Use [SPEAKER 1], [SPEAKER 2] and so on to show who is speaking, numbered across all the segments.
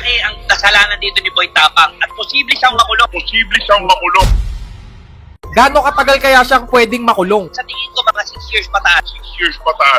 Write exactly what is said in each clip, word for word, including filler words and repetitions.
[SPEAKER 1] malaki ang kasalanan dito ni Boy Tapang at posible siyang makulong.
[SPEAKER 2] Posible siyang makulong.
[SPEAKER 3] Gaano katagal kaya siyang pwedeng makulong?
[SPEAKER 1] Sa tingin ko mga six years pataas.
[SPEAKER 2] six years pataas.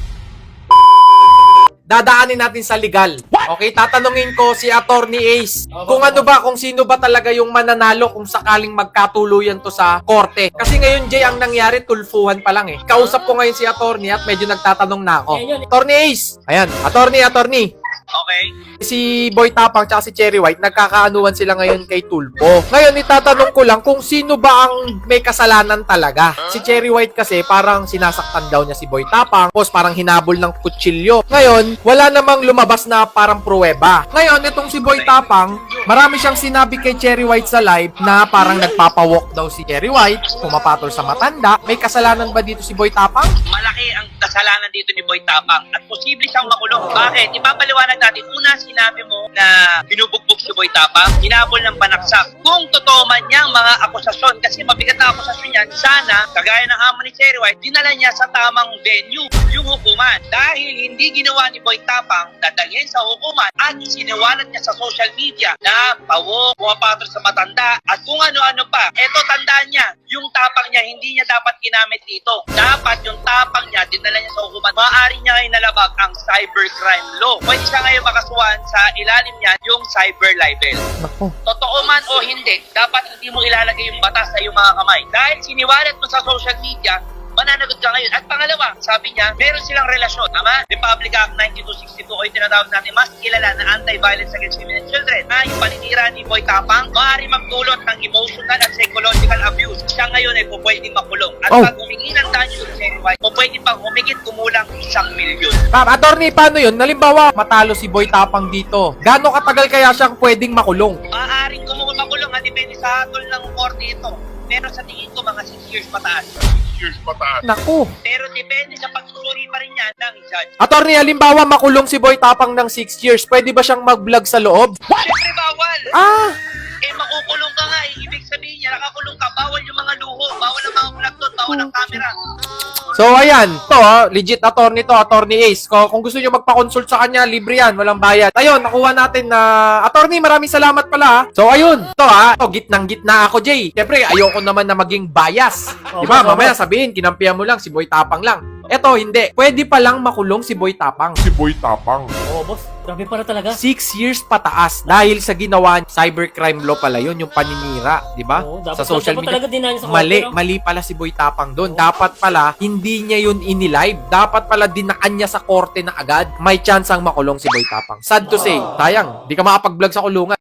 [SPEAKER 3] Dadaanin natin sa legal. Okay, tatanungin ko si Attorney Ace kung ano ba, kung sino ba talaga yung mananalo kung sakaling magkatuluyan to sa korte. Kasi ngayon, Jay, ang nangyari, tulfuhan pa lang eh. Kausap ko ngayon si Attorney at medyo nagtatanong na ako. Attorney Ace! Ayan, Attorney, Attorney.
[SPEAKER 1] Okay?
[SPEAKER 3] Si Boy Tapang at si Cherry White, nagkakaanuan sila ngayon kay Tulfo. Ngayon, itatanong ko lang kung sino ba ang may kasalanan talaga. Si Cherry White kasi parang sinasaktan daw niya si Boy Tapang, tapos parang hinabol ng kutsilyo. Ngayon, wala namang lumabas na parang pruweba. Ngayon, itong si Boy Tapang, marami siyang sinabi kay Cherry White sa live na parang nagpapawalk daw si Cherry White, pumapatol sa matanda. May kasalanan ba dito si Boy Tapang?
[SPEAKER 1] Malaki ang kasalanan dito ni Boy Tapang at posible siyang makulong. Bakit? Ipapaliwanag natin. Una, sinabi mo na binubugbog si Boy Tapang, hinabol ng panaksak. Kung totoo man niyang mga akusasyon, kasi mabigat na akusasyon yan, sana, kagaya ng amo ni Cherry White, dinala niya sa tamang venue yung hukuman. Dahil hindi ginawa ni Boy Tapang, dadalhin sa hukuman at siniwalat niya sa social media na pawok, pumapatol sa matanda, at kung ano-ano pa. Eto, tandaan niya, yung tapang niya, hindi niya dapat ginamit dito. Dapat yung tapang niya, dinala niya sa hukuman. Maaari niya ngayon nalabag ang cybercrime law. Pwede siya ngayon makasuhan sa ilalim niya yung cyber libel.
[SPEAKER 3] Naku.
[SPEAKER 1] Totoo man o hindi, dapat hindi mo ilalagay yung batas sa iyong mga kamay. Dahil siniwalat mo sa social media, mananagot ka ngayon. At pangalawa, sabi niya, meron silang relasyon. Tama? Republic Act ninety-two sixty-two o yung tinatawag natin mas kilala na Anti-Violence Against Women and Children na yung paninira ni Boy Tapang maaari magdulot ng emotional at psychological abuse. Siya ngayon ay pupwedeng makulong. At
[SPEAKER 3] Oh.
[SPEAKER 1] pag humingi ng danyo sa Cherry White, pupwedeng pang humigit kumulang isang milyon.
[SPEAKER 3] Ma'am, Attorney, paano yun? Nalimbawa, matalo si Boy Tapang dito. Gaano katagal kaya siyang pwedeng makulong?
[SPEAKER 1] Maaaring kumukulong at depende sa hatol ng korte ito. Pero sa tingin ko mga six years pataas.
[SPEAKER 2] six years pataas.
[SPEAKER 3] Naku.
[SPEAKER 1] Pero depende sa pagsusuri pa rin yan ng judge.
[SPEAKER 3] Attorney, halimbawa makulong si Boy Tapang ng six years, pwede ba siyang mag-vlog sa loob?
[SPEAKER 1] Siyempre bawal.
[SPEAKER 3] Ah!
[SPEAKER 1] Eh makukulong ka nga eh. Ibig sabihin niya, nakakulong ka. Bawal yung mga luho. Bawal ang mga vlog doon. Bawal ang camera.
[SPEAKER 3] So, ayan. To, ha, legit attorney to, Attorney Ace. Kung, kung gusto nyo magpa-consult sa kanya, libre yan. Walang bayad. Ayun, nakuha natin na... Attorney, maraming salamat pala, ha. So, ayun. To, ha. To, gitnang-gitna ako, Jay. Siyempre, ayoko naman na maging bias. Diba? Mamaya sabihin, kinampihan mo lang, si Boy Tapang lang. Eto, hindi. Pwede pa lang makulong si Boy Tapang.
[SPEAKER 2] Si Boy Tapang.
[SPEAKER 4] Oo, boss. Grabe para talaga.
[SPEAKER 3] Six years pataas dahil sa ginawa cybercrime law pala yun, yung paninira, di ba?
[SPEAKER 4] Oo, dapat,
[SPEAKER 3] Sa social
[SPEAKER 4] dapat
[SPEAKER 3] media.
[SPEAKER 4] talaga dinaan sa
[SPEAKER 3] Mali,
[SPEAKER 4] korte, no?
[SPEAKER 3] mali pala si Boy Tapang doon. Dapat pala, hindi niya yun inilive. Dapat pala dinaan niya sa korte na agad. May chance ang makulong si Boy Tapang. Sad to say, sayang, di ka makapag-vlog sa kulungan.